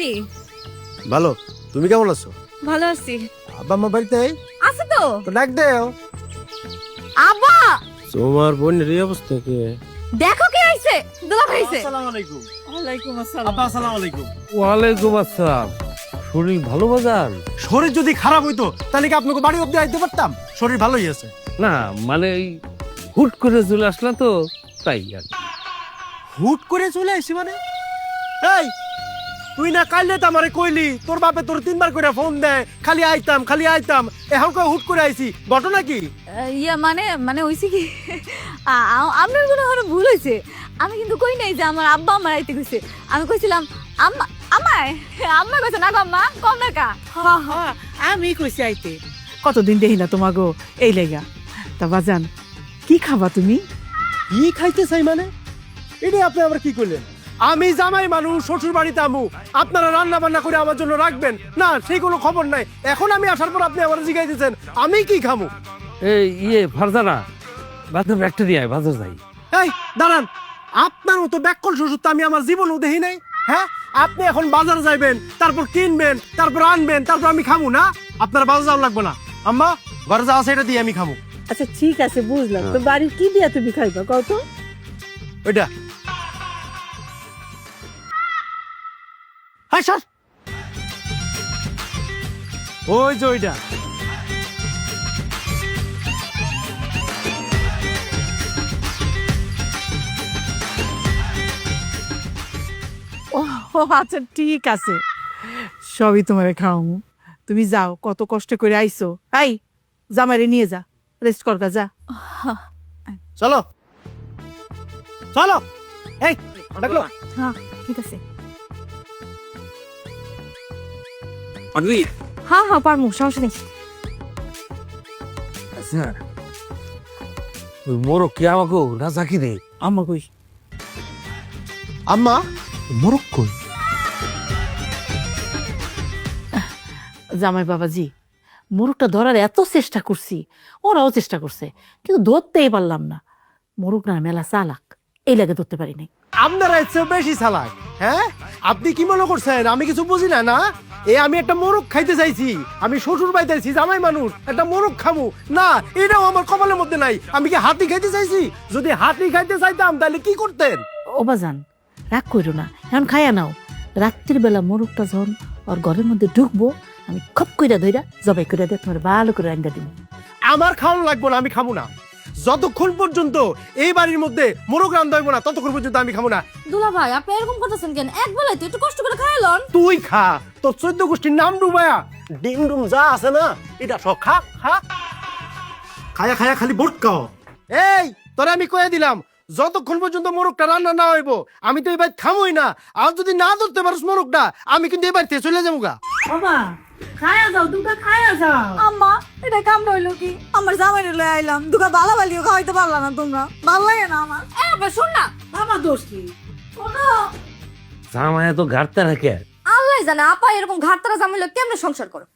ভাবি? ভালো, তুমি কেমন আছো? ভালো আছি। আব্বা মা বাড়িতে আছে তো? তো ডাক দেও। আব্বা তোমার বোনের এই অবস্থা কি? দেখো কে আইছে। দুলা ভাই আইছে। আসসালামু আলাইকুম। ওয়ালাইকুম আসসালাম। আব্বা আসসালামু আলাইকুম। ওয়ালাইকুম আসসালাম। শরীর ভালো বাজান? শরীর যদি খারাপ হইতো তাহলে কি আপনাকে বাড়ি অব্দি আইতে পারতাম? শরীর ভালোই আছে। না মানে এই হুট করে চলে আসলাম তো তাই আর কি। হুট করে চলে আসি মানে? এই তুই না কাইলে তো আমারে কইলি তোর বাপে তোর 3বার করে ফোন দেয়, খালি আইতাম। এখন কই হুট করে আইছি, ঘটনা কি? ইয়া মানে মানে হইছে কি আপনার কোনো হলো ভুল হইছে। আমি কিন্তু কই নাই যে আমার আব্বা আমার আইতে কইছে। আমি কইছিলাম আম্মা আমায় আম্মা কইছে না গো আম্মা কম না কা। আমি কইছি আইতে কতদিন দেখি না তোমাগো এই লেগা। তা বাজান কি খাবা তুমি? কি খাইতে চাই মানে? এটা আপনি আবার কি করলেন? আমি জামাই মানুষ, শ্বশুর বাড়িতে আমু, আপনারা রান্না বান্না করে আমার জন্য রাখবেন না সেই কোনো খবর নাই। এখন আমি আসার পর আপনি আমার জিগাই দিচ্ছেন আমি কি খামু? এই ফারজানা বাজার একটা নিয়ে আয়, বাজার যাই। এই দাঁড়ান, আপনার মতো ব্যাককল শ্বশুর তো আমি আমার জীবনেও দেখি নাই। হ্যাঁ, আপনি এখন বাজার যাইবেন, তারপর কিনবেন, তারপর আনবেন, তারপর আমি খামু না? আপনার বাজার যাওয়া লাগবে না, আম্মা ঘরে যা আছে এটা দিয়ে আমি খামু। আচ্ছা ঠিক আছে বুঝলাম, তো বাড়ির কি দিয়া তুমি খাইবা কত? ওইটা হ্যাঁ স্যার, ওই যে ওইটা। ও আচ্ছা ঠিক আছে, সবই তোমারে খাওয়ামু। তুমি যাও, কত কষ্ট করে আইছো। আই জামাইরে নিয়ে যা, রেস্ট করগা যা। চলো চলো, এই ডাকলো। হ্যাঁ ঠিক আছে। পারবি? হ্যাঁ হ্যাঁ পারমু, সমস্যা নেই। আচ্ছা ওই মোরগ কি আমাকে না জাকি রে? আম্মা কই? আম্মা মোরগ কই? জামাই বাবাজি, মোরগটা ধরার এত চেষ্টা করছি, ওরাও চেষ্টা করছে, কিন্তু ধরতেই পারলাম না। মোরগ না মেলা চালাক, এই লাগে ধরতে পারি নাই। আপনারা এর চেয়ে বেশি চালাক। হ্যাঁ, আপনি কি মনে করছেন আমি কিছু বুঝি না? না, আমি একটা মোরগ খাইতে চাইছি, আমি শ্বশুর বাড়িতে আইছি, জামাই মানুষ, একটা মোরগ খামু না, এটাও আমার কপালের মধ্যে নাই। আমি কি হাতি খাইতে চাইছি? যদি হাতি খাইতে চাইতাম তাহলে কি করতেন? ও বাজান রাগ করো না, এখন খাইয়া নাও। রাত্রির বেলা মোরগটা যখন ওর ঘরের মধ্যে ঢুকবো, আমি খপ কইরা ধইরা জবাই কইরা দিয়ে তোমার ভালো করে রান্না দিব। আমার খাওয়ানো লাগবো না, আমি খামু না। যতক্ষণ পর্যন্ত এই বাড়ির মধ্যে মোরগ রান্না হইব না ততক্ষণ পর্যন্ত আমি খামু না। দুলা ভাই আপনি এরকম করতেছেন কেন? এক বেলায় তো একটু কষ্ট করে খাইলন। তুই খা, তোর 14 গোষ্ঠীর নাম ডুবায়া ডিম ডুম যা আছে না এটা সব খা খা, খায়া খায়া খালি বটকাও। এই তোরে আমি কয়ে দিলাম, যতক্ষণ পর্যন্ত মোরগটা রান্না না হইব আমি তো এবার খামই না। আর যদি না ধরতে পারিস মোরগটা, আমি কিন্তু এবার থেকে চলে যাবো গা। বাবা খায়া যাও, দুটা খায়া যাও। আম্মা এটা কাম হইলো কি? আমার জামাই লয়ে আইলাম, দুকা বালা বালিও খাওয়াইতে পারলা না তোমরা, ভাল লাগে না আমার। এ শুন না, বাবা দোষ কি? জামাই তো ঘাটতে রাখে। আল্লাহ জানে আপা এরকম ঘাটতারা জামাইলে কেমনে সংসার করো।